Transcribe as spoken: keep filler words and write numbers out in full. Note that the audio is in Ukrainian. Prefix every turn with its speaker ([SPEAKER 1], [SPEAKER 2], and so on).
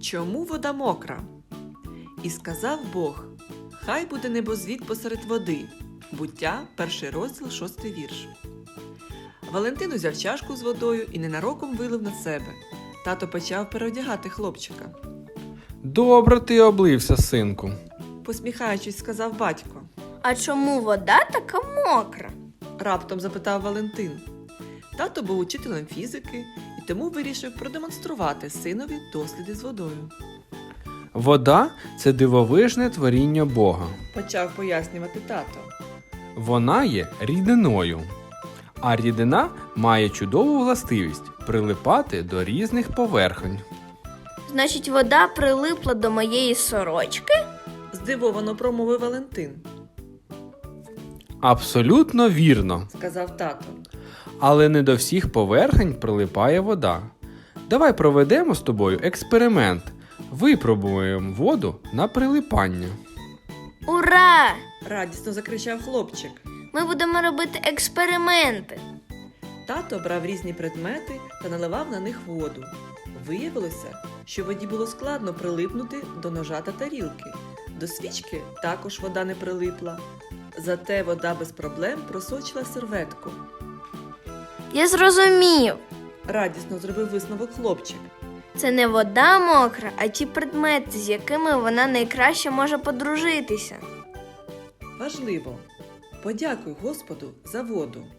[SPEAKER 1] Чому вода мокра? І сказав Бог: хай буде небозвід посеред води. Буття, перший розділ, шостий вірш. Валентин узяв чашку з водою і ненароком вилив на себе. Тато почав переодягати хлопчика.
[SPEAKER 2] Добре ти облився, синку.
[SPEAKER 1] Посміхаючись, сказав батько.
[SPEAKER 3] А чому вода така мокра?
[SPEAKER 1] Раптом запитав Валентин. Тато був учителем фізики і тому вирішив продемонструвати синові досліди з водою.
[SPEAKER 2] Вода – це дивовижне творіння Бога.
[SPEAKER 1] Почав пояснювати тато.
[SPEAKER 2] Вона є рідиною. А рідина має чудову властивість прилипати до різних поверхонь.
[SPEAKER 3] Значить, вода прилипла до моєї сорочки?
[SPEAKER 1] Здивовано промовив Валентин,
[SPEAKER 2] Абсолютно вірно.
[SPEAKER 1] сказав тато.
[SPEAKER 2] Але не до всіх поверхонь прилипає вода. Давай проведемо з тобою експеримент. Випробуємо воду на прилипання.
[SPEAKER 3] Ура!
[SPEAKER 1] Радісно закричав хлопчик.
[SPEAKER 3] Ми будемо робити експерименти.
[SPEAKER 1] Тато брав різні предмети та наливав на них воду. Виявилося, що воді було складно прилипнути до ножа та тарілки. До свічки також вода не прилипла. Зате вода без проблем просочила серветку.
[SPEAKER 3] Я зрозумів.
[SPEAKER 1] Радісно зробив висновок хлопчик.
[SPEAKER 3] Це не вода мокра, а ті предмети, з якими вона найкраще може подружитися.
[SPEAKER 1] Важливо. Подякуй Господу за воду.